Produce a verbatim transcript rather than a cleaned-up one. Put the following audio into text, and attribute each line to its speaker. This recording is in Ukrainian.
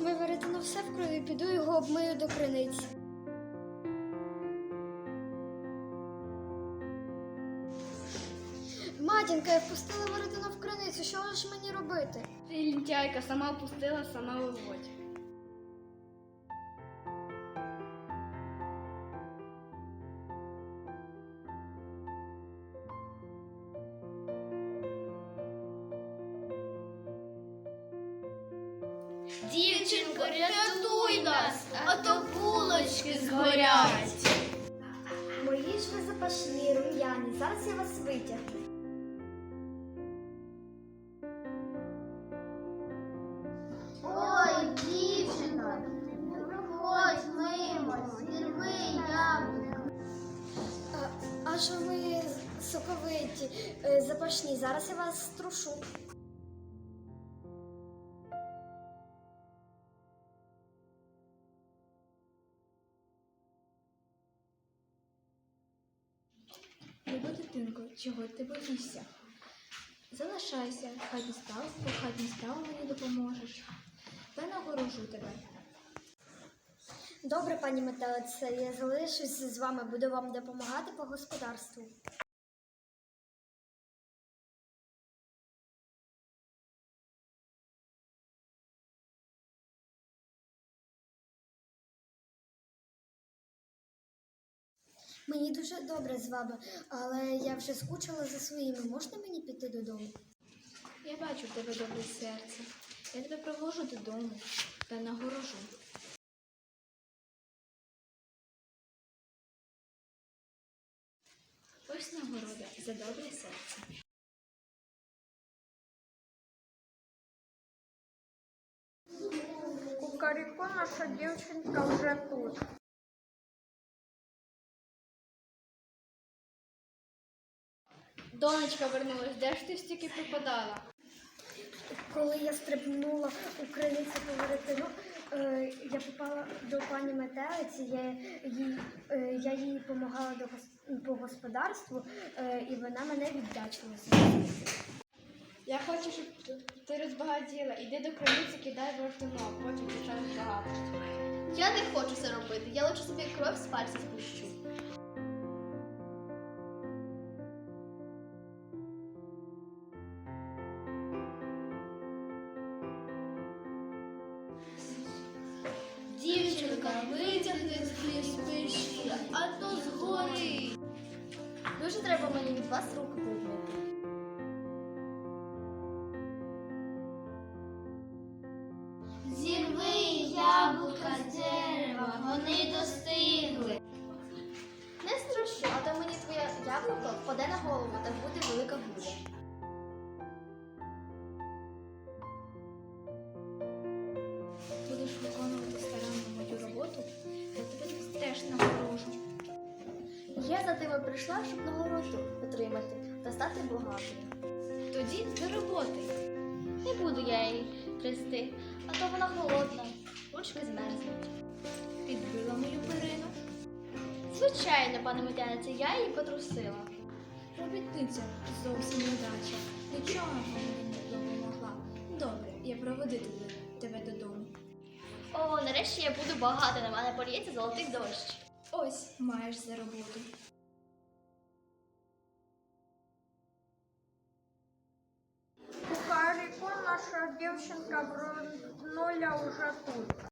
Speaker 1: Моє веретено все в крові, піду його обмию до криниці. Матінка, я впустила веретено в криницю, що ж мені робити?
Speaker 2: Ти лінтяйка, сама впустила, сама виводь.
Speaker 3: Дівчинко, рятуй нас, а то булочки згорять.
Speaker 1: Мої ж ви запашні, рум'яні, зараз я вас витягну.
Speaker 3: Ой, дівчинко, не проходь мимо, зірви яблуко.
Speaker 1: А, а що ви соковиті, е, запашні, зараз я вас струшу.
Speaker 4: Люба дитинко, чого ти боїшся? Залишайся, хатні справи, по хатній справи мені допоможеш. Та нагорожу тебе.
Speaker 1: Добре, пані метелице, я залишусь з вами, буду вам допомагати по господарству. Мені дуже добре з вами, але я вже скучила за своїми. Можна мені піти додому?
Speaker 4: Я бачу в тебе добре серце. Я тебе провожу додому та нагорожу. Ось нагорода за добре серце.
Speaker 5: Кукаріку, наша дівчинка вже тут.
Speaker 2: Донечка вернулась, де ж ти стільки пропадала?
Speaker 1: Коли я стрибнула у криницю по веретину, е, я попала до пані метелиці, я їй, е, я їй допомагала до гос- по господарству, е, і вона мене віддячила за це.
Speaker 2: Я хочу, щоб ти розбагатіла. Іди до криниці, кидай веретено, а потім почнеш багато.
Speaker 3: Я не хочу це робити, я лише собі кров з пальця спущу. Дівчинка, витягни з печі, а то згорить. Дуже треба мені від вас руки прибити. Зірви яблука з дерева, вони достигли. Не страшу, а то мені твоє яблуко впаде на голову, та буде велика буря.
Speaker 4: Будеш виконувати старанно мою роботу, я тебе теж нагорожу.
Speaker 3: Я за тебе прийшла, щоб нагороду отримати та стати багатою.
Speaker 4: Тоді до роботи.
Speaker 3: Не буду я її трясти, а то вона холодна, ручки змерзнуть.
Speaker 4: Підбила мою перину.
Speaker 3: Звичайно, пане Метянице, я її потрусила.
Speaker 4: Робітниця зовсім недача. Нічого мені не допомогла. Добре, я проведу тебе, тебе додому.
Speaker 3: О, нарешті я буду багата, на мене поліється золотий дощ.
Speaker 4: Ось маєш за роботу.
Speaker 5: Кукаріку, наша дівчинка вернула вже тут.